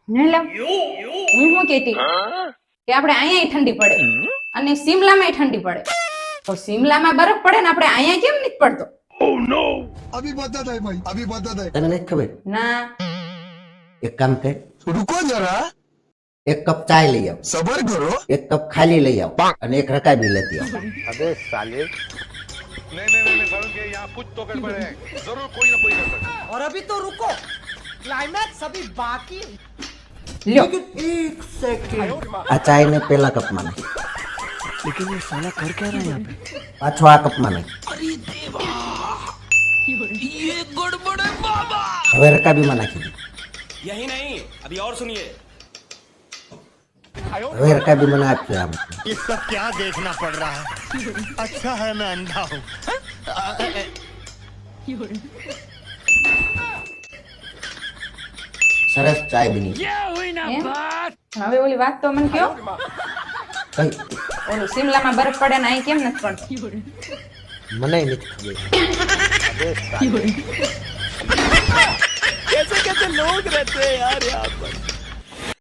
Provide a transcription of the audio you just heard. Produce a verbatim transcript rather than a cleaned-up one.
નહીં લાવ હું શું કહેતી કે આપણે અહીંયા ઠંડી પડે અને સિમલામાં ઠંડી પડે તો સિમલામાં બરફ પડે ને આપણે અહીંયા કેમ નથી પડતો अभी बता है भाई अभी बता है તને નથી ખબર? ના એક કામ કર, रुको जरा એક કપ ચાય લઈ આવ, सबर करो એક કપ ખાલી લઈ આવ અને એક રકાબી લેતી આવ. नहीं नहीं नहीं वरुण के यहाँ कुछ तो गड़बड़ है जरूर कोई ना कोई गड़बड़ है। और अभी तो रुको क्लाइमैक्स अभी बाकी લ્યો આ ચાય ને પેલા કપમાં નાખ. પાછો આ કપમાં નાખ. હવે રકાબીમાં નાખી દે. यही नहीं अभी और सुनिए હવે રકાબી મને આપજો આમ. ये सब क्या देखना पड़ रहा है अच्छा है मैं अंधा हूँ સરસ ચાય બની. એમ? હવે ઓલી વાત તો મને કયો કઈ ઓલું સિમલામાં બરફ પડે ને અહીં કેમ નથી પડતો મને નથી ખબર. कैसे कैसे लोग रहते हैं यार यहाँ पर